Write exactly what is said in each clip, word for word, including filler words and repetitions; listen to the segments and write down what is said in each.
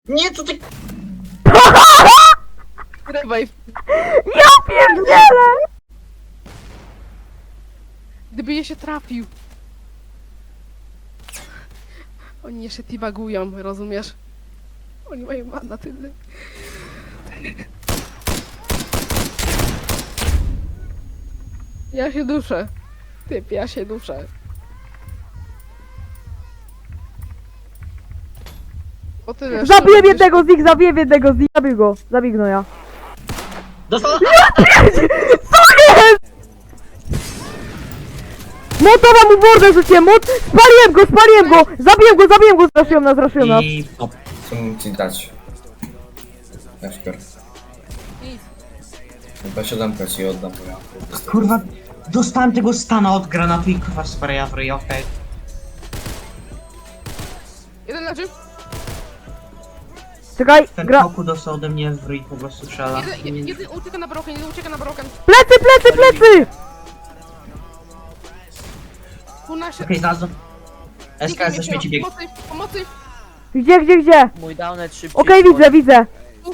Nie, co ty... Revive. Ja pierdzielę! Gdyby je się trafił. Oni jeszcze tibagują, rozumiesz? Oni mają mana tyle. Ja się duszę. Typ, ja się duszę. O tyle. Zabiję jednego z nich, zabiję jednego z nich, zabił go, zabił go ja. Dostał... Co jest? Motowa mu mordę rzuciłem, mot... Spaliłem go, spaliłem go! Zabiłem go, zabiłem go, zraszyłem nas, zraszyłem nas. I... O, co mam ci dać? Jasper. Nic. Chyba siódemkę ci oddam, bo ja... Kurwa, dostałem tego stana od granatu i kurwa spraya w ryj, okej. Jeden leży. Czekaj, Ten gra... koku dostał ode mnie w ryj, po prostu strzela. Jeden, jeden, jeden ucieka na broken, jeden ucieka na broken. Plecy, plecy, plecy! Kuna się... Okej, znalazłem. S K S ze śmieci bieg. Pomocy, pomocy. Gdzie, gdzie, gdzie? Mój downet szybciej. Okej, wchodzi. widzę, widzę.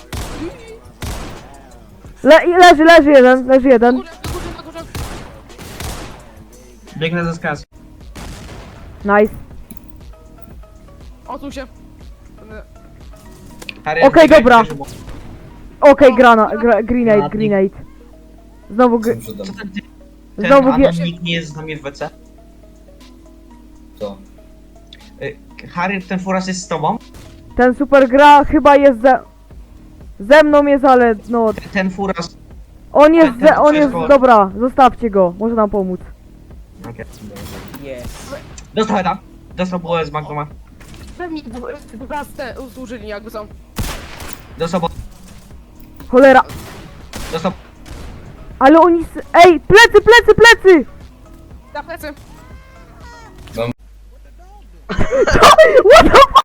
Le leży, leży jeden, leży Na jeden. górze, na górze, na górze. Biegnę z S K S. Nice. Odsuń się. Harry, Okej, biegaj, dobra. bierz mu. Okej, grana, gra, grenade, grenade. Znowu, gr... Co Co tam? ten, ty- ten Znowu gie... anonimik nie jest z nami w W C? Co? Y, Harry, ten furas jest z tobą? Ten super gra chyba jest ze... Ze mną jest, ale no... Ten, ten furas... On jest Ten- ten ze... on jest... wszystko- Dobra, zostawcie go, może nam pomóc. Okej. Jest. Dostał heda. Dostał bułę z Magdoma. Pewnie dwa te usłużyli jakby są. Dostał bo... Cholera. Dostał... Ale oni... s- Ej, plecy, plecy, plecy! Na plecy.